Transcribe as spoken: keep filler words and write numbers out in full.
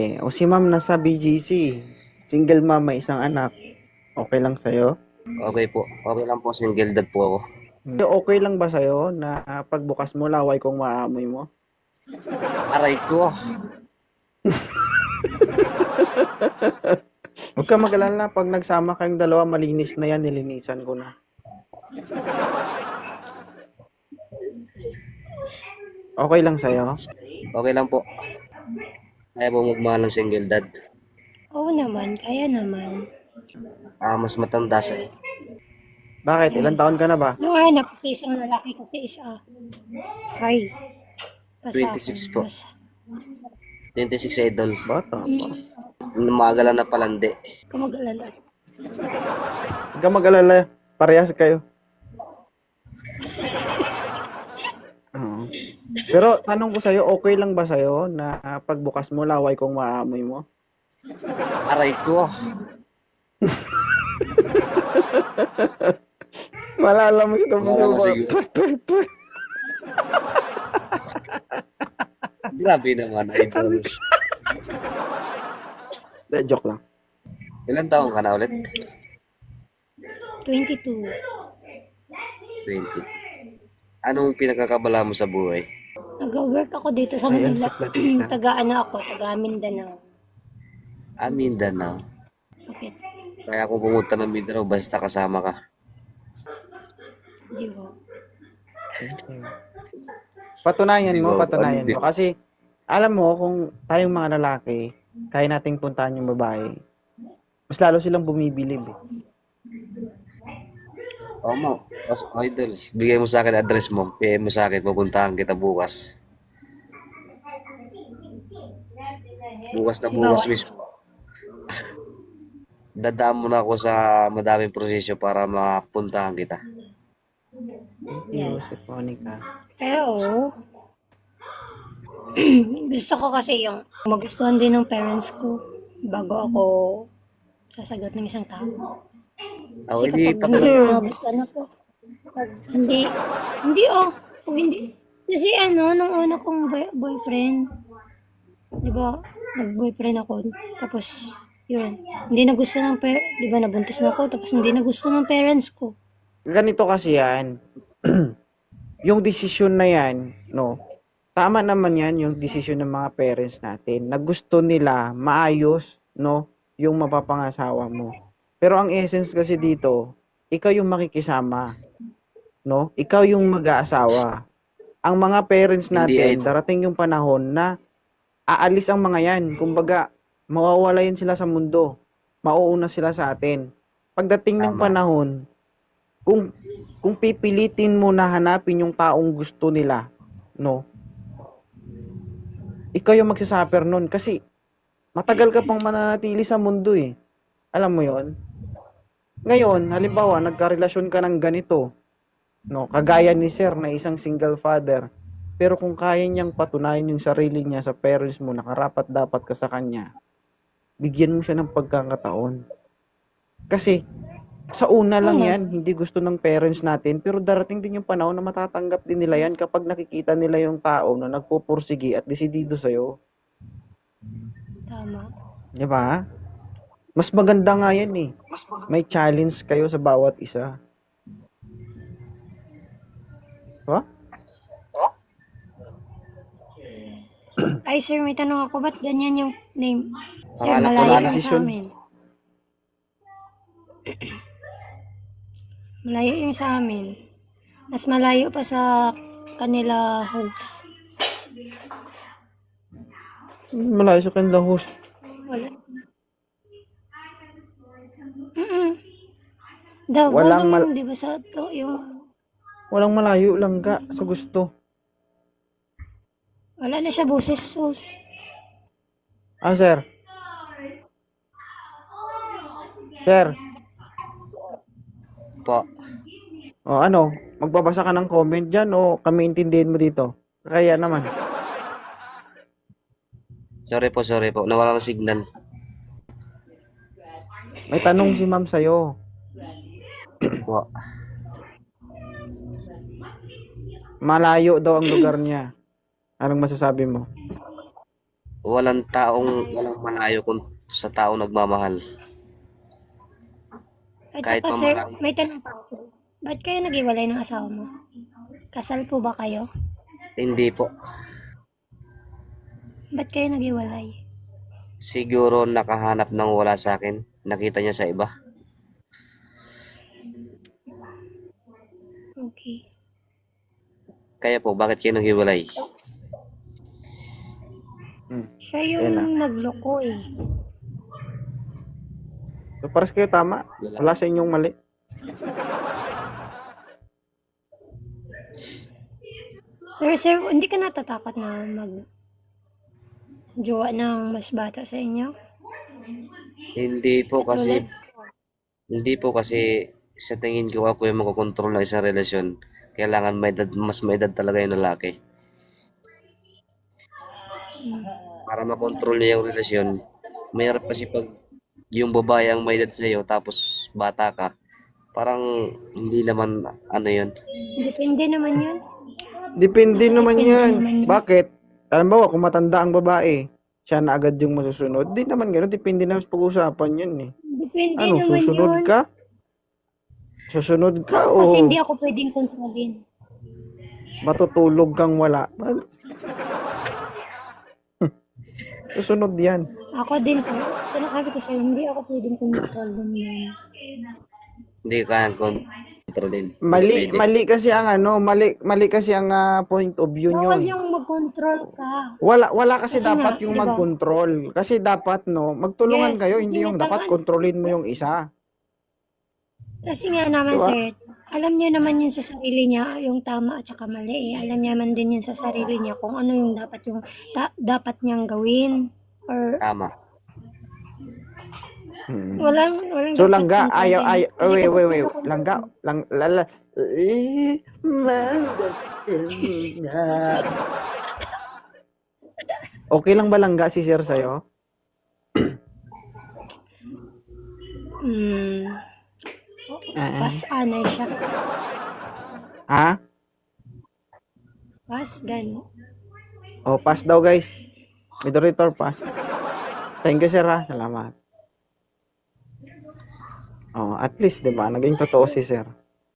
Eh, o si ma'am nasa B G C, single mom, may isang anak, okay lang sa'yo? Okay po. Okay lang po, single dad po ako. Hmm. Okay lang ba sa'yo na ah, pagbukas mo laway kung maamoy mo? Aray ko. Huwag ka mag-alala, pag nagsama kayong dalawa, malinis na yan, nilinisan ko na. Okay lang sa'yo? Okay lang po. Kaya po magmahal ng single dad. Oo naman, kaya naman. Ah, mas matanda sa'yo. Bakit? Ilang taon ka na ba? Yung anak kasi isang lalaki kasi isa. Hi. Pa sa twenty-six akin, po. mas- twenty-six idol. Bata pa. Lumagalan na palandi. Huwag ka mag-alala. Huwag ka mag-alala, parehas kayo. Oo. Pero tanong ko sa'yo, okay lang ba sa'yo na ah, pagbukas mo laway kung maamoy mo? Aray ko. Malala mo sa Oo, tabi mo. siguro. Grabe naman, idol. De, joke lang. Ilan taong ka na ulit? twenty-two. twenty. Anong pinagkakabala mo sa buhay? Nag-work ako dito sa Ay, ang Manila. sakla tita. Taga-ano ako, taga Mindanao. Ah, Mindanao. Bakit? Kaya kung pumunta ng Mindanao, basta kasama ka. Di ba? Patunayan Di mo, ba? patunayan Hindi. mo. Kasi, alam mo, kung tayong mga lalaki, kaya nating puntahan yung babae, mas lalo silang bumibilib eh. Oo mo. As idol, bigay mo sa akin address mo. P M mo sa akin, pupuntahan kita bukas. Bukas na bukas Bawal. mismo. Dadaan mo na ako sa madaming prosesyo para mapuntahan kita. Thank you, Yes. si Monica. Pero, gusto ko kasi yung magustuhan din ng parents ko bago ako sasagot ng isang tao. Ako, Kasi hindi kapag pa hindi talaga. ko nagustuhan ako, pag hindi, hindi oh, pag hindi, kasi ano, nung una kong boy- boyfriend, di ba, nag-boyfriend ako, tapos, yun, hindi nagustuhan ng parents, di ba, nabuntis na ako, tapos hindi nagustuhan ng parents ko. Ganito kasi yan. Yung desisyon na yan, no, tama naman yan yung desisyon ng mga parents natin na gusto nila maayos, no, yung mapapangasawa mo. Pero ang essence kasi dito, ikaw yung makikisama, no? Ikaw yung mag-aasawa. Ang mga parents Hindi natin, idol. darating yung panahon na aalis ang mga yan. Kumbaga, mawawala yan sila sa mundo. Mauuna sila sa atin. Pagdating ng Tama. panahon, kung kung pipilitin mo na hanapin yung taong gusto nila, no? Ikaw yung magsasuffer nun kasi matagal ka pang mananatili sa mundo eh. Alam mo yon? Ngayon, halimbawa, nagkarelasyon ka ng ganito, no? Kagaya ni Sir na isang single father. Pero kung kaya niyang patunayan yung sarili niya sa parents mo na karapat dapat ka sa kanya, bigyan mo siya ng pagkakataon. Kasi sa una lang Oo. yan, hindi gusto ng parents natin, pero darating din yung panahon na matatanggap din nila yan kapag nakikita nila yung tao na nagpupursigi at desidido sa'yo. Tama. Di ba? Mas maganda nga yan eh. May challenge kayo sa bawat isa. Diba? Ay, sir, may tanong ako, ba't ganyan yung name? Sir, Pangalan ko malayo na yung sa desisyon. amin. Malayo yung sa amin. Mas malayo pa sa kanila host. Malayo sa kanilang host. Wala. Mm-mm. The Walang volume, mal- di ba sa to, yung, Walang malayo lang ka sa gusto. wala na siya boses, host. Ah, sir. Sir, Po. o ano, magbabasa ka ng comment dyan o kami intindihin mo dito? Kaya naman. Sorry po, sorry po. Nawala ng signal. May tanong si ma'am sa'yo. Po. Malayo daw ang lugar niya. Anong masasabi mo? walang taong, walang malayo kung sa taong nagmamahal. At Kahit saka pa sir, marami. may tanong pa ako. Ba't kayo naghiwalay ng asawa mo? Kasal po ba kayo? Hindi po. Ba't kayo naghiwalay? Siguro nakahanap ng wala sa akin. Nakita niya sa iba. Okay. Kaya po, bakit kayo naghiwalay? Hmm. Siya Yan na. yung nagloko eh. So, pares kayo tama. Wala sa inyong mali. Pero sir, hindi ka natatakot na mag jowa ng mas bata sa inyo? Hindi po kasi, Tulad? hindi po kasi sa tingin ko ako yung magkokontrol ng isang relasyon. Kailangan may edad, mas may edad talaga yung lalaki. Hmm. Para makontrol niya yung relasyon, mahirap kasi pag yung babae ang may edad sa'yo tapos bata ka, parang hindi naman ano yun. Depende naman yun. Depende naman Depende yan. naman yun. Bakit? Alam mo, kung matanda ang babae, siya na agad yung masusunod. Di naman gano'n. Depende na sa pag-usapan yun eh. Depende Ano, naman susunod yun. ka? Susunod ka Kasi o hindi ako pwedeng kontrolin. matutulog kang wala? Well, susunod yan. Ako din, sir. Sinasabi ko sa'yo, hindi ako pwedeng kontrolin yun. Hindi ka kayang kontrolin. Mali, Pwede. mali kasi ang ano, mali, mali kasi ang ah, point of view Bawal nyo. yung mag-control ka. Wala, wala kasi, Kasi dapat nga, yung di ba? mag-control. Kasi dapat, no, magtulungan Yes, kayo, kasi hindi nga yung dapat tama. kontrolin mo yung isa. Kasi nga naman, Diba? sir, alam niya naman yun sa sarili niya, yung tama at saka mali. Eh. Alam niya man din yun sa sarili niya kung ano yung dapat yung ta- dapat niyang gawin. Or Tama. Hmm. walang, walang So, dapat langga, ayaw, kontrolin. ayaw, Kasi wait, kapag wait, wait, kinokontrol langga, mo, lang, lala, eh, mandatina. Okay lang ba langga si sir sa'yo? hmm, Ah, pas anay siya. ha? Pas, gano. Oh, pass daw guys. Moderator, pass. Thank you sir ha, salamat. Oh, at least, di ba, naging totoo si sir.